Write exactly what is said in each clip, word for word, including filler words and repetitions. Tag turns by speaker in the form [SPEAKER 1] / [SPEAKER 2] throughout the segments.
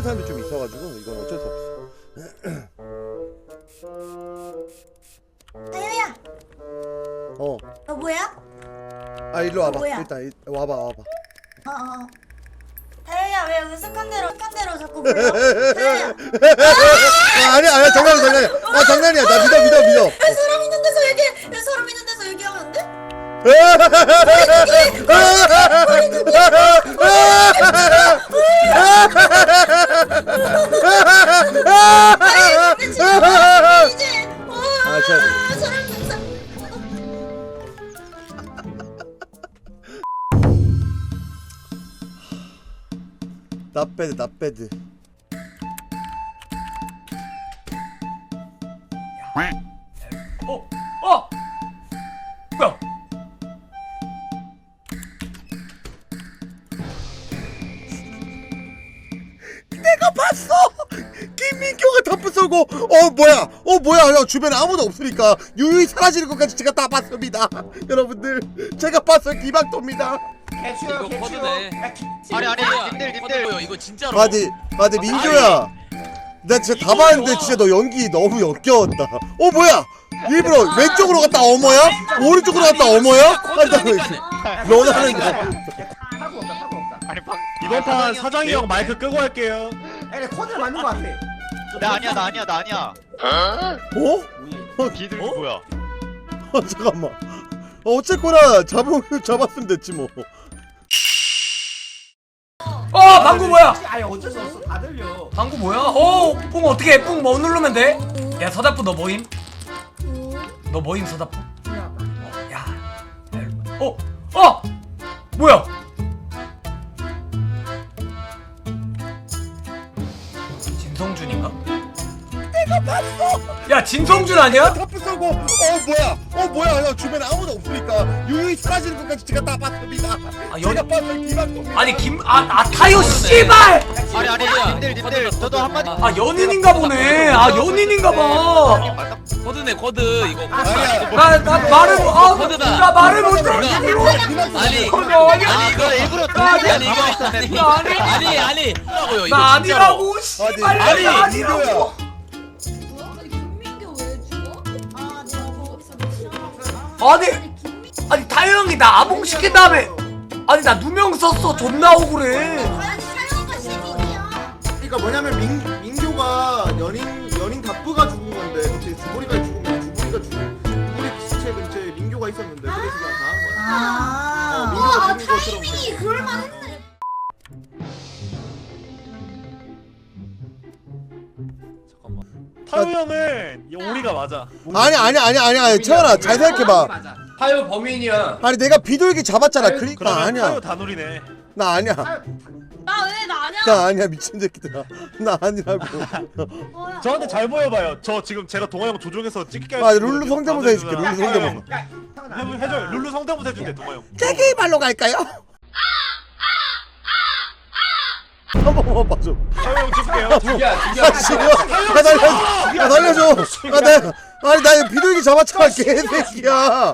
[SPEAKER 1] 사람들이 좀 있어가지고 이건 어쩔 수 없어.
[SPEAKER 2] 다효야.
[SPEAKER 1] 어.
[SPEAKER 2] 너 뭐야?
[SPEAKER 1] 아 일로 와봐.
[SPEAKER 2] 뭐야?
[SPEAKER 1] 일단 이, 와봐 와봐.
[SPEAKER 2] 어어. 다효야 왜 으슥한 대로 슥한 대로 자꾸 불러? 다효야.
[SPEAKER 1] 아, 아니야 아니야 장난이야 장난이야. 아 장난이야. 나 믿어 믿어 믿어.
[SPEAKER 2] 왜 사람 있는 데서 얘기? 왜 사람 있는 데서 얘기하면 안 돼? 아니 근데 지금 이제
[SPEAKER 1] 아,
[SPEAKER 2] 와
[SPEAKER 1] 저-
[SPEAKER 2] 사람 사
[SPEAKER 1] 나배드 나배드.
[SPEAKER 3] 어! 어! 뭐야?
[SPEAKER 1] 내가 봤어. 김민교가 덤프 쏘고 어 뭐야 어 뭐야 야 주변에 아무도 없으니까 유유히 사라지는 것까지 제가 다 봤습니다. 여러분들 제가 봤어요. 기박도입니다.
[SPEAKER 4] 개추요
[SPEAKER 5] 이거
[SPEAKER 4] 개추요.
[SPEAKER 5] 코드네.
[SPEAKER 4] 야, 기-
[SPEAKER 5] 아니 아니
[SPEAKER 4] 뭐야?
[SPEAKER 5] 님들 님들 보여 이거 진짜로.
[SPEAKER 1] 맞지 맞지 민교야. 나 진짜 다
[SPEAKER 5] 이거
[SPEAKER 1] 봤는데
[SPEAKER 5] 좋아.
[SPEAKER 1] 진짜 너 연기 너무 역겨웠다. 어 뭐야 일부러 왼쪽으로 갔다 어머야? 오른쪽으로 갔다 어머야? 너나는 거.
[SPEAKER 4] 타고 없다 타고 없다.
[SPEAKER 5] 아니 방
[SPEAKER 6] 이번 판 사장이 형
[SPEAKER 5] 형
[SPEAKER 6] 마이크 끄고 할게요.
[SPEAKER 4] 야, 코드를 맞는 거 같아.
[SPEAKER 5] 나 아니야 나 아니야 나 아니야.
[SPEAKER 1] 어?
[SPEAKER 5] 비둘기 뭐야?
[SPEAKER 1] 어 잠깐만. 어, 어쨌거나 잡으 잡았으면 됐지 뭐.
[SPEAKER 3] 어! 방구 뭐야?
[SPEAKER 4] 아니 어쩔 수 없어. 다 들려.
[SPEAKER 3] 방구 뭐야? 어! 뿡 어떻게 해? 뿡 뭐 누르면 돼? 야 서다프 너 뭐임? 너 뭐임 서다프? 어, 야. 야, 일로 와. 어! 어! 뭐야? 진성준인가? 내가 봤어! 야 진성준 아니야?
[SPEAKER 1] 탑프 쏘고 어 뭐야 어 뭐야 야 주변에 아무도 없으니까 유유히 사라지는 것까지 제가 다 봤습니다.
[SPEAKER 3] 아,
[SPEAKER 1] 제가
[SPEAKER 3] 연-
[SPEAKER 1] 봤어요. 기박도입니다.
[SPEAKER 3] 아니 김.. 아.. 아 타요 씨발!
[SPEAKER 5] 아니 아니 님들 님들 저도 한마디.
[SPEAKER 3] 아 연인인가 보네. 아 연인인가 봐.
[SPEAKER 5] 코드네 코드 이거.
[SPEAKER 1] 아니야.
[SPEAKER 3] 나, 나 말을 못- 아,
[SPEAKER 5] 코드다.
[SPEAKER 3] 나 말을 못해.
[SPEAKER 5] 아니
[SPEAKER 3] 코드 아니야.
[SPEAKER 5] 아니 이거 일부러
[SPEAKER 3] 나
[SPEAKER 5] 아니 아니 이거 아니
[SPEAKER 3] 나 아니.
[SPEAKER 5] 아니 아니 뭐라고요 이거
[SPEAKER 3] 나
[SPEAKER 5] 진짜로.
[SPEAKER 3] 아니라고 씨발.
[SPEAKER 1] 아니,
[SPEAKER 3] 나
[SPEAKER 1] 아니,
[SPEAKER 3] 아니라고.
[SPEAKER 7] 아니 김민규 왜 죽어?
[SPEAKER 2] 아 내가 거기서 못 싫어.
[SPEAKER 3] 아니 아니 타요 형이 나 아봉 시킨 다음에 아니 나 누명 썼어. 존나 억울해.
[SPEAKER 2] 아니 사연가 신이야.
[SPEAKER 6] 그러니까 뭐냐면 민 민교가 연인 연인 답부가 죽은 건데 그치 주보리가 죽으면 주보리가 죽은 주보리 시체 근처에 민교가 있었는데 그래서 그냥 당한 거야.
[SPEAKER 2] 아.
[SPEAKER 6] 어,
[SPEAKER 2] 어,
[SPEAKER 6] 민규가
[SPEAKER 2] 아
[SPEAKER 6] 죽은 것처럼.
[SPEAKER 2] 타이밍이 그럴만했네.
[SPEAKER 6] 타요 형은 오리가 맞아.
[SPEAKER 1] 아니 아니 아니 아니 아니 채원아 잘 생각해봐.
[SPEAKER 4] 맞아.
[SPEAKER 3] 타요 범인이야.
[SPEAKER 1] 아니 내가 비둘기 잡았잖아. 그러니까
[SPEAKER 6] 그러면
[SPEAKER 1] 아니야.
[SPEAKER 6] 타요 다누리네.
[SPEAKER 1] 나 아니야.
[SPEAKER 7] 나 왜 나 아니야?
[SPEAKER 1] 나 아니야 미친 새끼들아. 나 아니라고.
[SPEAKER 7] 뭐야?
[SPEAKER 6] 저한테 잘 보여봐요. 저 지금 제가 동아 형 조종해서 찍게
[SPEAKER 1] 아 룰루 성대모사 해줄게. 룰루 성대모사.
[SPEAKER 4] 야, 형은
[SPEAKER 6] 해,
[SPEAKER 4] 아니야.
[SPEAKER 6] 해줘요. 룰루 성대모사 해준대 동아 형.
[SPEAKER 1] 세계의 발로 갈까요? 한 번만 봐줘.
[SPEAKER 6] 타요 형 찍을게요.
[SPEAKER 1] 아 씨발. 아 날려. 아 날려줘. 아 내. 아니 나 이거 비둘기 잡았잖아 개새끼야.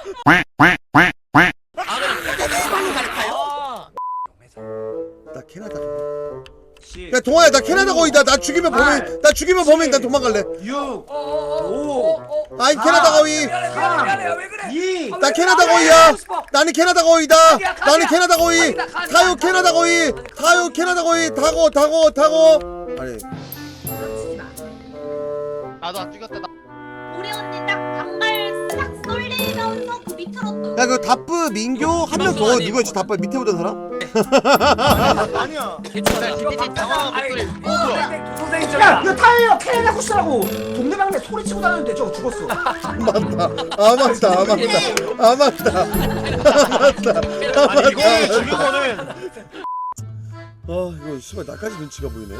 [SPEAKER 1] 나 캐나다. 야 동아야 나 캐나다 거위다. 나 죽이면 범인. 나 죽이면 범인. 나 도망갈래.
[SPEAKER 4] 육,
[SPEAKER 3] 오.
[SPEAKER 1] 아니 캐나다 거위.
[SPEAKER 3] 미안해 미안해 미안해. 왜 그래?
[SPEAKER 4] 이.
[SPEAKER 1] 나 캐나다 거위야. 나는 캐나다 거위다. 나는 캐나다 거위. 타요 캐나다 거위. 타요 캐나다 거위. 타고 타고 타고. 아니
[SPEAKER 2] 놓치지 마.
[SPEAKER 5] 나도 안 죽였다 나.
[SPEAKER 2] 우리 언니 딱 단발 싹 쏠리면서 그 밑으로 또.
[SPEAKER 1] 야 그 답부 민교 한 명 더 누구였지 답부 밑에 오던 사람?
[SPEAKER 6] 아니야.
[SPEAKER 5] 괜찮아 디디디 당황한 목소리. 어 뭐야?
[SPEAKER 3] 선생님
[SPEAKER 4] 야,
[SPEAKER 3] 저기야.
[SPEAKER 4] 이거 타이어 캐나다 후스라고 동네방네 소리 치고 다녔는데 저거 죽었어.
[SPEAKER 1] 맞다. 아 맞다. 아 맞다. 아 맞다. 아 맞다.
[SPEAKER 6] 아니 이거 죽인 거는
[SPEAKER 1] 아 이거 씨발 나까지 눈치가 보이네.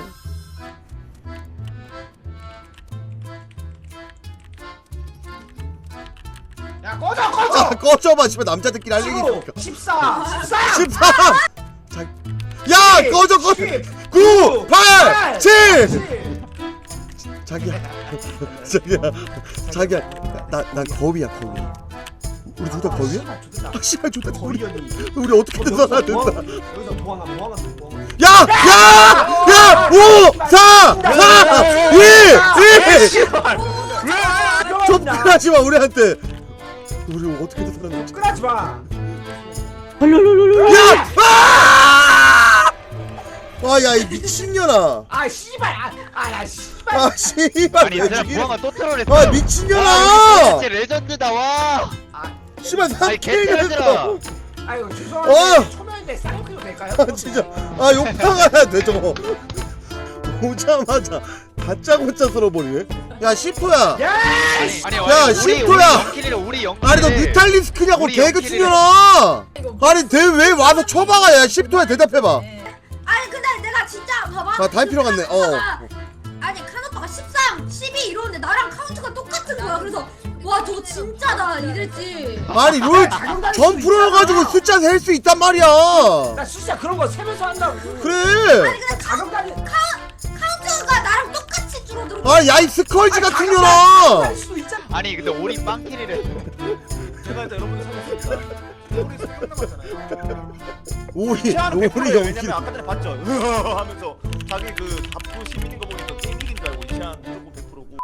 [SPEAKER 4] 야, 꺼져 꺼져.
[SPEAKER 1] 아 꺼져봐 씨발 남자들끼리 할 얘기 있으니까.
[SPEAKER 4] 십사, 십삼,
[SPEAKER 1] 십삼. 자, 야 꺼져 꺼져. 구, 팔, 칠. 자기야. 자기야. 자기야. 나난 거위야 거위. 우리 둘 다 거위야? 아 씨발 좋다. 우리
[SPEAKER 4] 거리였는데.
[SPEAKER 1] 우리 어떻게든 살아야 된다.
[SPEAKER 4] 여기서 도망가, 도망가, 도망가.
[SPEAKER 1] 야! 야! 야! 오! 사! 사! 이! 일!
[SPEAKER 4] 씨발. 왜?
[SPEAKER 1] 접근하지 마 우리한테. 우리 어떻게든 살았는지.
[SPEAKER 4] 접근하지 마.
[SPEAKER 1] 야! 아! 와, 야, 이 미친년아.
[SPEAKER 4] 아 씨발. 아, 아야 씨발.
[SPEAKER 1] 아, 씨발.
[SPEAKER 5] 아니
[SPEAKER 1] 왜
[SPEAKER 5] 얘들아
[SPEAKER 1] 죽이래?
[SPEAKER 5] 무화가 또 트롤했어.
[SPEAKER 1] 아, 미친년아.
[SPEAKER 5] 진짜 레전드다 와.
[SPEAKER 1] 씨발,
[SPEAKER 5] 아니
[SPEAKER 1] 삼 킬
[SPEAKER 5] 개쩔더라.
[SPEAKER 1] 했어.
[SPEAKER 4] 아유
[SPEAKER 1] 어!
[SPEAKER 4] 죄송한데 초면인데 쌍욕해도 될까요?
[SPEAKER 1] 아, 진짜. 아, 욕탕해야 돼, 저거. 오자마자 다짜고짜 쓸어버리네. 야, 시프야.
[SPEAKER 4] 야!
[SPEAKER 5] 아니
[SPEAKER 1] 야,
[SPEAKER 5] 우리
[SPEAKER 1] 시프야.
[SPEAKER 5] 우리 영킬이래 우리 영킬.
[SPEAKER 1] 아니, 너 뮤탈리스크냐고,
[SPEAKER 5] 우리
[SPEAKER 1] 개그
[SPEAKER 5] 영킬이래.
[SPEAKER 1] 치려나? 아니, 대 왜 와서 쳐박아, 야, 시프야, 대답해봐.
[SPEAKER 2] 아니 근데 내가 진짜 봐봐.
[SPEAKER 1] 아, 다 필요 같네, 어.
[SPEAKER 2] 아니 칸 오빠가 십삼, 십이 이러는데 나랑 카운트가 똑같은 거야. 그래서 와 저거 진짜다 이랬지.
[SPEAKER 1] 아니, 롤 전 프로여가지고 숫자 셀 수 있단 말이야.
[SPEAKER 4] 나 진짜 그런 거 세면서 한다고.
[SPEAKER 1] 그래.
[SPEAKER 2] 아니 근데
[SPEAKER 4] 가격 달리.
[SPEAKER 2] 카운트가 나랑 똑같이 줄어들어.
[SPEAKER 1] 아, 야, 이 스컬지 같은 년아.
[SPEAKER 4] 할 수도 있잖아.
[SPEAKER 5] 아니 근데 우리 빵킬이래.
[SPEAKER 6] 제가 일단 여러분들 살렸습니다. 우리 끝남았잖아요
[SPEAKER 1] 오리, 오리
[SPEAKER 6] 왜냐면
[SPEAKER 1] 연기.
[SPEAKER 6] 아까 전에 봤죠? 하면서 자기 그 답부 시민인 거 보니까 게임 이긴 줄 알고 이시안 무조건 백 퍼센트고.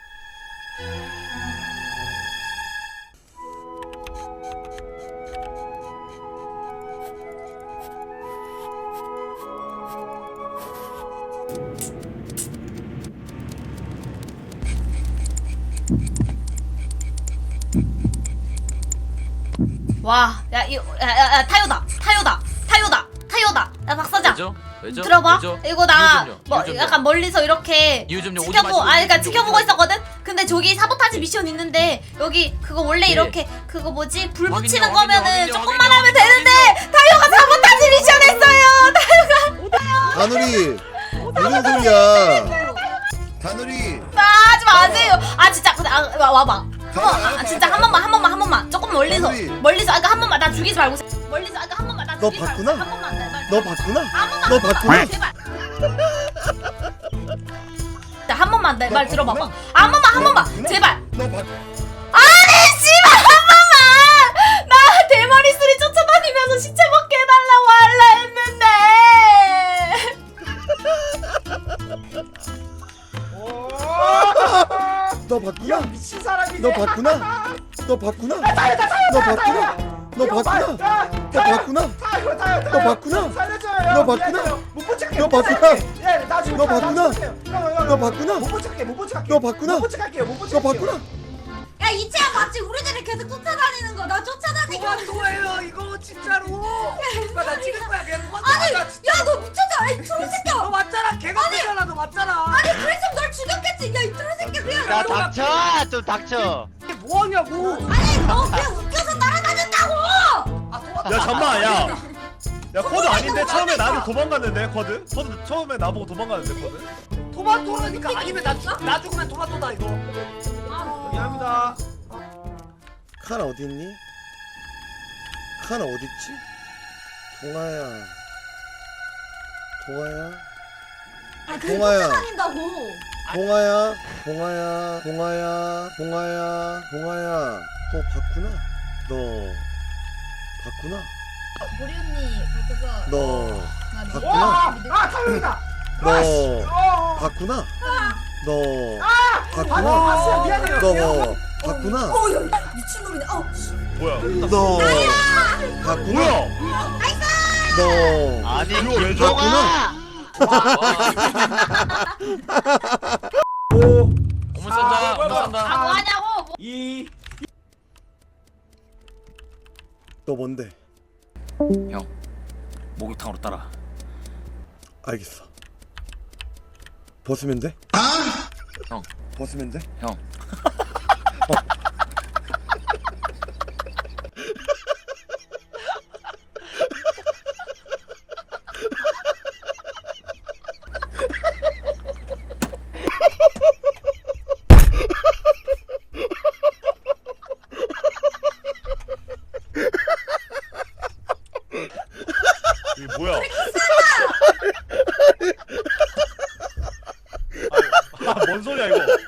[SPEAKER 8] 와, 야, 이, 야, 야, 야, 타요다, 타요다, 타요다, 타요다. 야, 박사장.
[SPEAKER 9] 왜죠? 왜죠?
[SPEAKER 8] 들어봐.
[SPEAKER 9] 왜죠?
[SPEAKER 8] 이거 나
[SPEAKER 9] 이유 좀요,
[SPEAKER 8] 뭐
[SPEAKER 9] 이유 좀요.
[SPEAKER 8] 약간 멀리서 이렇게
[SPEAKER 9] 이유 좀요. 오지
[SPEAKER 8] 지켜보,
[SPEAKER 9] 마시고,
[SPEAKER 8] 아, 그러니까
[SPEAKER 9] 이유 좀
[SPEAKER 8] 지켜보고
[SPEAKER 9] 오지 마시고.
[SPEAKER 8] 있었거든. 근데 저기 사보타지 미션 있는데 여기 그거 원래
[SPEAKER 9] 예.
[SPEAKER 8] 이렇게 그거 뭐지 불
[SPEAKER 9] 확인요,
[SPEAKER 8] 붙이는
[SPEAKER 9] 확인요,
[SPEAKER 8] 거면은
[SPEAKER 9] 확인요,
[SPEAKER 8] 조금만
[SPEAKER 9] 확인요,
[SPEAKER 8] 하면 되는데 타요가 사보타지 미션 했어요. 타요가
[SPEAKER 1] 다누리, 무슨 소리야? 다누리.
[SPEAKER 8] 나 하지 마세요. 아 진짜 근데 아, 와, 와봐. 한번 아, 진짜 한 번만 한 번만 한 번만 조금 멀리서
[SPEAKER 1] 다누리.
[SPEAKER 8] 멀리서 아까 한 번만 나 죽이지 말고 멀리서 아까 한 번만 나
[SPEAKER 1] 너
[SPEAKER 8] 죽이지 말고
[SPEAKER 1] 봤구나?
[SPEAKER 8] 한 번만 나 말-
[SPEAKER 1] 너 봤구나?
[SPEAKER 8] 한 번만
[SPEAKER 1] 너
[SPEAKER 8] 한 번만,
[SPEAKER 1] 봤구나?
[SPEAKER 8] 제발. 자, 한 번만 내 말 들어봐봐. 한 번만 한 번만 제발.
[SPEAKER 1] 너 봤.
[SPEAKER 8] 아니 씨발 한 번만. 나 대머리 쓰리 쫓아다니면서 시체 먹게 해달라고 할라 했는데.
[SPEAKER 1] 너 봤구나?
[SPEAKER 4] 야 미친 사람이네.
[SPEAKER 1] 너 봤구나? 너 봤구나?
[SPEAKER 4] 타요 타 타요
[SPEAKER 1] 너
[SPEAKER 4] 타요,
[SPEAKER 1] 봤구나?
[SPEAKER 4] 타요.
[SPEAKER 1] 너
[SPEAKER 4] 야,
[SPEAKER 1] 봤구나?
[SPEAKER 4] 타,
[SPEAKER 1] 너
[SPEAKER 4] 타요.
[SPEAKER 1] 봤구나?
[SPEAKER 4] 타요 타요
[SPEAKER 1] 너
[SPEAKER 4] 타요.
[SPEAKER 1] 봤구나?
[SPEAKER 4] 살려줘요.
[SPEAKER 1] 너 봤구나?
[SPEAKER 4] 미안해요. 못 붙일게.
[SPEAKER 1] 너
[SPEAKER 4] 못
[SPEAKER 1] 봤구나?
[SPEAKER 4] 붙일게. 예, 나중에
[SPEAKER 1] 너
[SPEAKER 4] 타요,
[SPEAKER 1] 봤구나?
[SPEAKER 4] 나중에 타요. 형, 형, 형,
[SPEAKER 1] 너
[SPEAKER 4] 형.
[SPEAKER 1] 봤구나?
[SPEAKER 4] 못 붙일게. 못 붙일게.
[SPEAKER 1] 너 봤구나?
[SPEAKER 4] 못 붙일게요. 못
[SPEAKER 1] 너
[SPEAKER 4] 붙일게요.
[SPEAKER 1] 봤구나?
[SPEAKER 2] 야 이채야 맞지? 우리들이 계속 쫓아다니는 거. 나 쫓아다니고.
[SPEAKER 4] 뭐예요 이거 진짜로. 나 찍을 거야 그냥.
[SPEAKER 2] 아니 야 너 미쳤잖아. 아니 트롤 새끼야.
[SPEAKER 4] 너 맞잖아. 개가 너 맞잖아.
[SPEAKER 2] 아니 그랬으면 널 죽였겠지. 야이 트롤 새끼 그냥.
[SPEAKER 5] 야 닥쳐 좀 닥쳐.
[SPEAKER 4] 이게 뭐하냐고.
[SPEAKER 2] 아니 너 그냥 웃겨서 따라다녔다고.
[SPEAKER 6] 야 잠만 야. 야 코드 아닌데 처음에 나한테 도망갔는데 코드? 코드 처음에 나보고 도망갔는데 코드?
[SPEAKER 4] 토마토라니까 아니면 나, 나 죽으면 토마토다 이거. 미안합니다.
[SPEAKER 1] 칸 어디 있니? 칸 어디 있지? 동아야. 동아야.
[SPEAKER 2] 아 그래
[SPEAKER 1] 동아야.
[SPEAKER 2] 쫓아다닌다고.
[SPEAKER 1] 동아야. 동아야. 동아야. 동아야. 동아야. 너 봤구나? 너 봤구나?
[SPEAKER 7] 보리 언니 같아서
[SPEAKER 1] 너
[SPEAKER 7] 나 믿-
[SPEAKER 1] 봤구나?
[SPEAKER 4] 와, 아 타요이다.
[SPEAKER 1] 너
[SPEAKER 4] 어.
[SPEAKER 1] 봤구나? 너
[SPEAKER 4] 아,
[SPEAKER 1] 봤구나?
[SPEAKER 4] 봤어요. 미안해요.
[SPEAKER 1] 너 봤구나?
[SPEAKER 2] 어야 미친놈이네. 어.
[SPEAKER 6] 뭐야?
[SPEAKER 1] 너 봤구나?
[SPEAKER 6] 뭐야?
[SPEAKER 1] 너
[SPEAKER 5] 아니
[SPEAKER 6] 이거 왜
[SPEAKER 5] 김종아.
[SPEAKER 4] 오,
[SPEAKER 9] 어머 쏜다. 어머
[SPEAKER 4] 아,
[SPEAKER 9] 쏜다.
[SPEAKER 8] 아 뭐하냐고. 뭐.
[SPEAKER 4] 이,
[SPEAKER 1] 너 뭔데?
[SPEAKER 9] 형. 목욕탕으로 따라.
[SPEAKER 1] 알겠어. 벗으면 돼?
[SPEAKER 9] 형.
[SPEAKER 1] 벗으면 돼?
[SPEAKER 9] 형.
[SPEAKER 6] 이게 뭐야? 아, 뭔 소리야 이거?